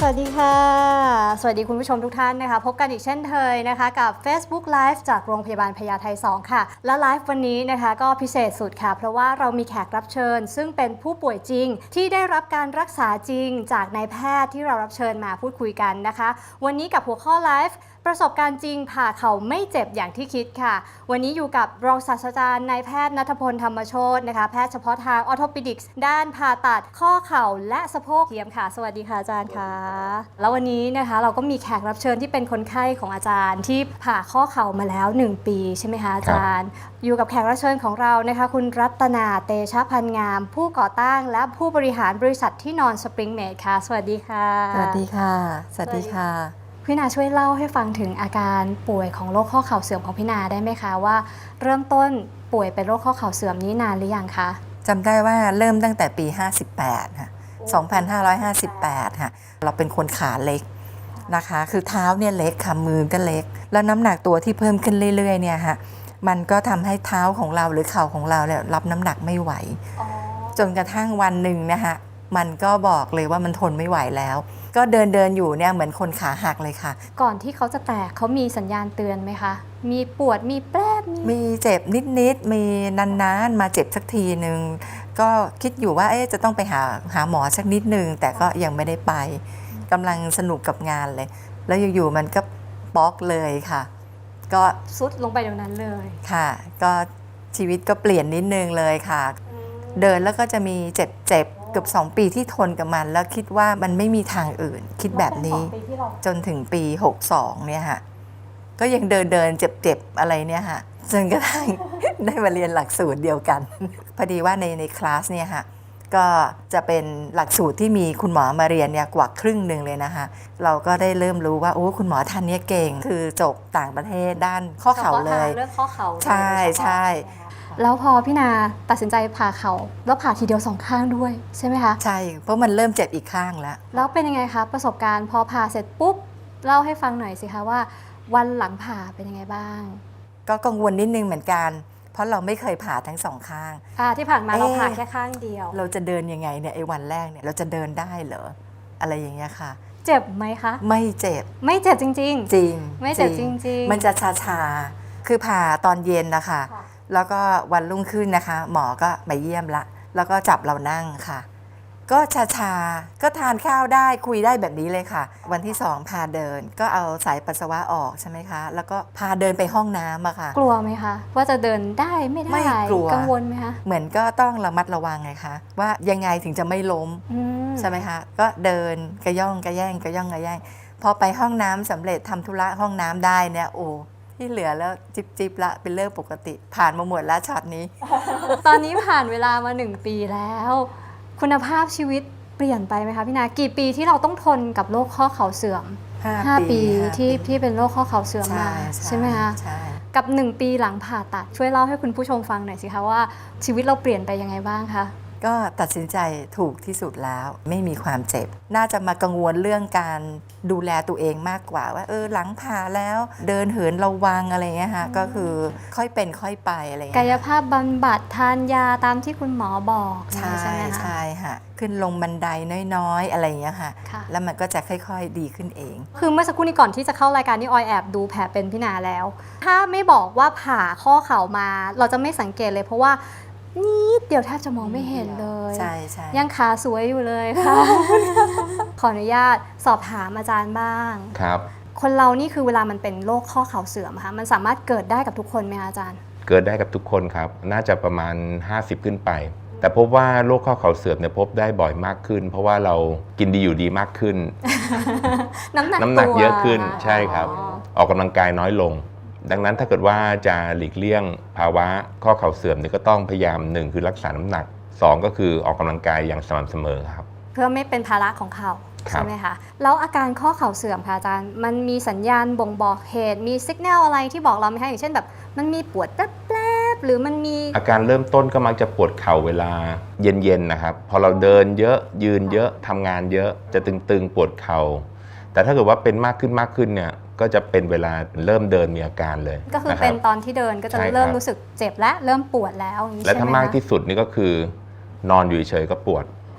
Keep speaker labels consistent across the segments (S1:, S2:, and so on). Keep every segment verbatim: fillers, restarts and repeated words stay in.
S1: วัสดีค่ะสวัสดีคุณผู้ชมทุกท่านนะคะพบกันอีกเช่นเคยนะคะกับ Facebook Live จากโรงพยาบาลพญาไทสองค่ะและไลฟ์วันนี้นะคะก็พิเศษสุดค่ะเพราะว่าเรามีแขกรับเชิญซึ่งเป็นผู้ป่วยจริงที่ได้รับการรักษาจริงจากนายแพทย์ที่เรารับเชิญมาพูดคุยกันนะคะวันนี้กับหัวข้อไลฟ์ประสบการณ์จริงผ่าเข่าไม่เจ็บอย่างที่คิดค่ะวันนี้อยู่กับรองศาสตราจารย์นายแพทย์ณัฐพลธรรมโชตินะคะแพทย์เฉพาะทางออร์โทปิดิกส์ด้านผ่าตัดข้อเข่าและสะโพกเทียมค่ะสวัสดีค่ะอาจารย์ค่ะแล้ววันนี้นะคะเราก็มีแขกรับเชิญที่เป็นคนไข้ของอาจารย์ที่ผ่าข้อเข่ามาแล้วหนึ่งปีใช่ไหมคะอาจารย์อยู่กับแขกรับเชิญของเรานะคะคุณรัตนาเตชะพันงามผู้ก่อตั้งและผู้บริหารบริษัทที่นอนสปริงเมดค่ะสวัสดีค่ะ
S2: สวัสดีค่ะสวัสดีค่ะ
S1: พี่นาช่วยเล่าให้ฟังถึงอาการป่วยของโรคข้อเข่าเสื่อมของพี่นาได้ไหมคะว่าเริ่มต้นป่วยเป็นโรคข้อเข่าเสื่อมนี้นานหรือยังคะ
S2: จำได้ว่าเริ่มตั้งแต่ปีห้าสิบแปดค่ะสองพันห้าร้อยห้าสิบแปดค่ะเราเป็นคนขาเล็กนะคะคือเท้าเนี่ยเล็กค่ะมือก็เล็กแล้วน้ำหนักตัวที่เพิ่มขึ้นเรื่อยๆเนี่ยค่ะมันก็ทำให้เท้าของเราหรือเข่าของเราเนี่ยรับน้ำหนักไม่ไหวจนกระทั่งวันหนึ่งนะคะมันก็บอกเลยว่ามันทนไม่ไหวแล้วก็เดินเดินอยู่เนี่ยเหมือนคนขาหักเลยค่ะ
S1: ก่อนที่เขาจะแตกเขามีสัญญาณเตือนไหมคะมีปวดมีแปรบ
S2: มีเจ็บนิดๆมีนานๆมาเจ็บสักทีหนึ่งก็คิดอยู่ว่าเอ๊ะจะต้องไปหาหาหมอสักนิดนึงแต่ก็ยังไม่ได้ไปกำลังสนุกกับงานเลยแล้วอยู่ๆมันก็ป๊อกเลยค่ะก็
S1: ซุดลงไปเดี๋ยวนั้นเลย
S2: ค่ะก็ชีวิตก็เปลี่ยนนิดนึงเลยค่ะเดินแล้วก็จะมีเจ็บๆเกือบสองปีที่ทนกับมันแล้วคิดว่ามันไม่มีทางอื่นคิดแบบนี้จนถึงปีหกสองเนี่ยค่ะก็ยังเดินเดินเจ็บๆอะไรเนี่ยค่ะจนกระทั่ง ได้มาเรียนหลักสูตรเดียวกันพอดีว่าในในคลาสเนี่ยค่ะก็จะเป็นหลักสูตรที่มีคุณหมอมาเรียนเนี่ยกว่าครึ่งหนึ่งเลยนะคะเราก็ได้เริ่มรู้ว่าโอ้คุณหมอท่านนี้เก่งคือจบต่างประเทศด้านข้อเข่าเลย
S1: เรื่องข้อเข่า
S2: ใช่ใช่
S1: แล้วพอพี่นาตัดสินใจผ่าเข่าแล้วผ่าทีเดียวสองข้างด้วยใช่ไหมคะ
S2: ใช่เพราะมันเริ่มเจ็บอีกข้างแล้ว
S1: แล้วเป็นยังไงคะประสบการณ์พอผ่าเสร็จปุ๊บเล่าให้ฟังหน่อยสิคะว่าวันหลังผ่าเป็นยังไงบ้าง
S2: ก็กังวลนิดนึงเหมือนกันเพราะเราไม่เคยผ่าทั้งสองข้าง
S1: อ่าที่ผ่านมาเราผ่าแค่ข้างเดียว
S2: เราจะเดินยังไงเนี่ยไอ้วันแรกเนี่ยเราจะเดินได้เหรออะไรอย่างเงี้ยค่ะ
S1: เจ็บไหมคะ
S2: ไม่เจ็บ
S1: ไม่เจ็บจริงๆ
S2: จริง
S1: ไม่เจ็บจริงๆ
S2: มันจะชาชาคือผ่าตอนเย็นนะคะแล้วก็วันรุ่งขึ้นนะคะหมอก็มาเยี่ยมละแล้วก็จับเรานั่งค่ะก็ชาชาก็ทานข้าวได้คุยได้แบบนี้เลยค่ะวันที่สองพาเดินก็เอาสายปัสสาวะออกใช่ไหมคะแล้วก็พาเดินไปห้องน้ำอะค่ะ
S1: กลัวไหมคะว่าจะเดินได้ไม่ได้
S2: ไม่กลัว
S1: กังวลไหมคะ
S2: เหมือนก็ต้องระมัดระวังไงคะว่ายังไงถึงจะไม่ล้มใช่ไหมคะก็เดินกระย่องกระแย่งกระย่องกระแย่งพอไปห้องน้ำสำเร็จทำธุระห้องน้ำได้เนี่ยโอ้ที่เหลือแล้วจิบจิบละเป็นเรื่องปกติผ่านมาหมดแล้วช็อตนี้
S1: ตอนนี้ผ่านเวลามาหนึ่งปีแล้วคุณภาพชีวิตเปลี่ยนไปไหมคะพี่นากี่ปีที่เราต้องทนกับโรคข้อเข่าเสื่อมห้าปีที่ที่เป็นโรคข้อเข่าเสื่อมมาใช่ไหมคะกับหนึ่งปีหลังผ่าตัดช่วยเล่าให้คุณผู้ชมฟังหน่อยสิคะว่าชีวิตเราเปลี่ยนไปยังไงบ้างคะ
S2: ก็ตัดสินใจถูกที่สุดแล้วไม่มีความเจ็บน่าจะมากังวลเรื่องการดูแลตัวเองมากกว่าว่าเออหลังผ่าแล้วเดินเหินระวังอะไรเงี้ยค่ะก็คือค่อยเป็นค่อยไปอะไรเงี้ย
S1: กายภาพบำบัดทานยาตามที่คุณหมอบอก
S2: ใช่ใช่ไหมคะใช่ค่ะขึ้นลงบันไดน้อยๆอะไรเงี้ยค่ะแล้วมันก็จะค่อยๆดีขึ้นเอง
S1: คือเมื่อสักครู่นี้ก่อนที่จะเข้ารายการนี่ออยแอบดูแผลเป็นพี่นาแล้วถ้าไม่บอกว่าผ่าข้อเข่ามาเราจะไม่สังเกตเลยเพราะว่านิดเดียวแทบจะมองไม่เห็นเลย
S2: ใช่ใช่
S1: ยังขาสวยอยู่เลยค่ะ ขออนุญาตสอบถามอาจารย์บ้าง
S3: ครับ
S1: คนเรานี่คือเวลามันเป็นโรคข้อเข่าเสื่อมค่ะมันสามารถเกิดได้กับทุกคนไหมคะอาจารย์
S3: เกิดได้กับทุกคนครับน่าจะประมาณห้าสิบขึ้นไปแต่พบว่าโรคข้อเข่าเสื่อมเนี่ยพบได้บ่อยมากขึ้นเพราะว่าเรากินดีอยู่ดีมากขึ้น
S1: น้ำหนัก
S3: น้ำหนักเยอะขึ้นใช่ครับออกกำลังกายน้อยลงดังนั้นถ้าเกิดว่าจะหลีกเลี่ยงภาวะข้อเข่าเสื่อมเนี่ยก็ต้องพยายามหนึ่งคือรักษาน้ำหนักสองก็คือออกกำลังกายอย่างสม่ำเสมอครับ
S1: เพื่อไม่เป็นภาระของเขาใช่ไหมคะแล้วอาการข้อเข่าเสื่อมค่ะอาจารย์มันมีสัญญาณบ่งบอกเหตุมีสัญญาณอะไรที่บอกเราไหมคะอย่างเช่นแบบมันมีปวดแป๊บๆหรือมันมี
S3: อาการเริ่มต้นก็มักจะปวดเข่าเวลาเย็นๆนะครับพอเราเดินเยอะยืนเยอะทำงานเยอะจะตึงๆปวดเข่าแต่ถ้าเกิดว่าเป็นมากขึ้นมากขึ้นเนี่ยก็จะเป็นเวลาเริ่มเดินมีอาการเลย
S1: ก็คือเป็นตอนที่เดินก็จะเริ่มรู้สึกเจ็บและเริ่มปวดแล้ว
S3: และถ้ามากที่สุดนี่ก็คือนอนอยู่เฉยๆก็ปวด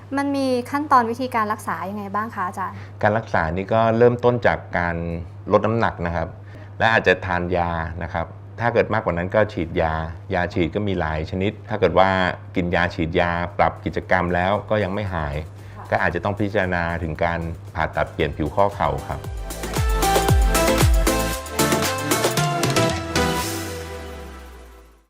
S1: มันมีขั้นตอนวิธีการรักษายังไงบ้างคะอาจารย์
S3: การรักษานี่ก็เริ่มต้นจากการลดน้ำหนักนะครับและอาจจะทานยานะครับถ้าเกิดมากกว่านั้นก็ฉีดยายาฉีดก็มีหลายชนิดถ้าเกิดว่ากินยาฉีดยาปรับกิจกรรมแล้วก็ยังไม่หายก็อาจจะต้องพิจารณาถึงการผ่าตัดเปลี่ยนผิวข้อเข่าครับ